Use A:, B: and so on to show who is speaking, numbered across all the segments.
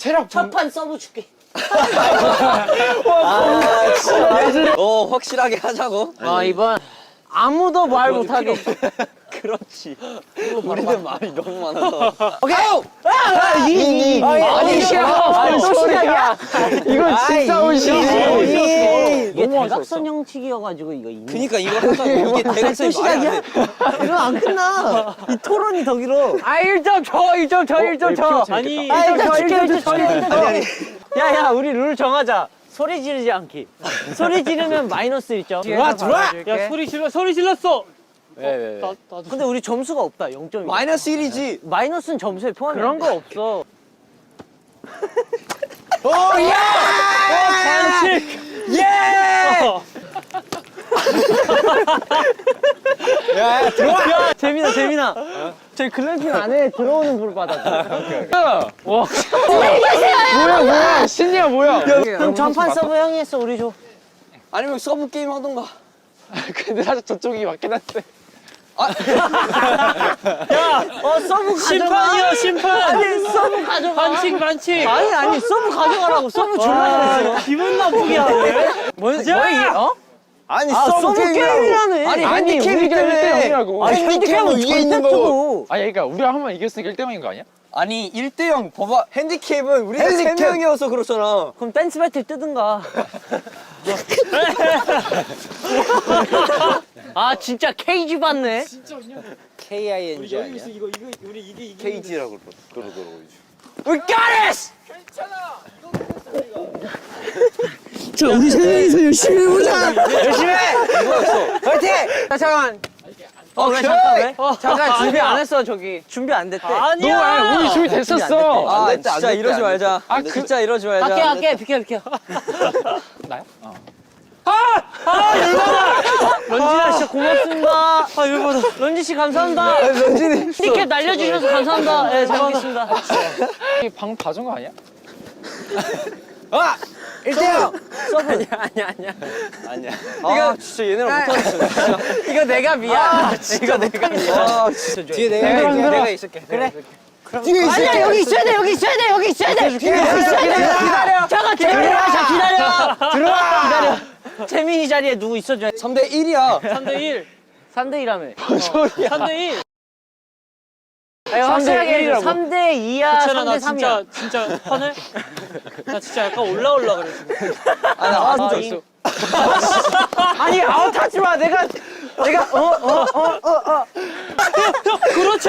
A: 체력
B: 첫판 서브 줄게.
C: 확실하게 하자고.
B: 이번 아무도 말 못하게.
C: 그렇지. 우리는 말이 너무 많아서.
B: 오케이. 아니 시작이야.
A: 이건 진짜 온실이지.
B: 이게 대각선형 치기여가지고 이거 있는.
C: 그니까 이거 하자. 이게 대각선이 말이 안 돼.
B: 이거 안 끝나. 이 토론이 더 길어.
A: 1점 줘, 1점 줘, 1점 줘.
D: 아니,
B: 일단 야야 우리 룰 정하자. 소리 지르지 않기. 소리 지르면 마이너스 1점.
A: 들어와.
D: 야 소리 질렀어.
A: 왜?
B: 근데 우리 점수가 없다. 0점이.
C: 마이너스 1이지.
B: 마이너스는 점수에 포함이
A: 그런 거 없어.
D: 반칙.
A: 예! 야, 들어와.
B: 재민아. 저희 글램핑 안에 들어오는 불 받았죠.
A: 와. 뭐야? 신이야 뭐야?
B: 그럼 전판 서브 형이 했어. 우리 줘.
C: 아니면 서브 게임 하던가.
A: 근데 사실 저쪽이 맞긴 한데.
B: 서브
D: 심판이야 심판.
B: 아니 서브 가져가.
D: 반칙.
B: 아니 서브 가져가라고. 서브 줄라 그랬어.
D: 기분 나쁘게 하네.
B: 뭐야?
C: 아니
B: 서브 게임이라며.
C: 아니
A: 우리가 1대0이라고.
C: 핸디캡은 위에 있는 거고.
A: 아니 그러니까 우리가 한 번 이겼으니까 1대0인 거 아니야?
C: 아니 1대0 봐봐. 핸디캡은 우리가 3명이어서 그렇잖아.
B: 그럼 댄스 배틀 뜨든가. 진짜 케이지 받네.
C: KING 아니야?
D: 이거 우리 이게
C: KG라고 그러더라고.
B: We got it! 자, 우리 세 명이서 열심히 해보자. 열심히 해.
C: 이거였어.
B: 파이팅! 자, 잠깐. 왜 잠깐 왜? 잠깐 준비 안 했어 저기. 준비 안 됐대.
D: 아니야.
A: 우리 준비 됐었어.
C: 진짜 이러지 말자. 진짜 이러지 말자.
B: 갈게. 비켜.
A: 나요?
B: 런진아 진짜 고맙습니다. 열받아. 런지 씨 감사합니다.
C: 런진이.
B: 티켓 날려주셔서 감사합니다. 네, 잘 먹겠습니다.
A: 방 봐준 거 아니야?
C: 1대0.
B: 서브.
C: 아니야. 이거 진짜 얘네랑 못하겠어.
B: 이거 내가 미안. 이거 내가 미안.
C: 뒤에 내가 있을게.
B: 그래.
C: 뒤에 있을게.
B: 아니야 여기 있어야 돼. 여기 있어야 돼. 기다려. 잠깐 기다려. 들어와. 기다려. 재민이 자리에 누구 있어줘야 돼.
C: 3대 1이야.
D: 3대1.
B: 3대1라며.
D: 3대1.
B: 확실하게 3대2야.
D: 괜찮아 나
B: 3대3이야.
D: 진짜 화내? 나 진짜 약간 올라올라 그래 지금.
B: 아니 아웃하지 마. 내가
D: 그렇죠.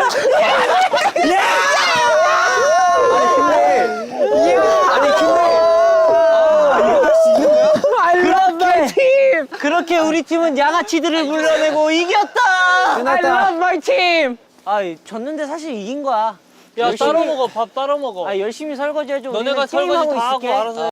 B: 그렇게 우리 팀은 양아치들을 불러내고 이겼다. I love my team. 졌는데 사실 이긴 거야.
D: 야 따로 먹어 밥 따로 먹어.
B: 열심히 설거지 해줘.
D: 너네가
B: 우리는
D: 설거지
B: 게임하고
D: 다 하고
B: 있을게.
D: 알아서 해.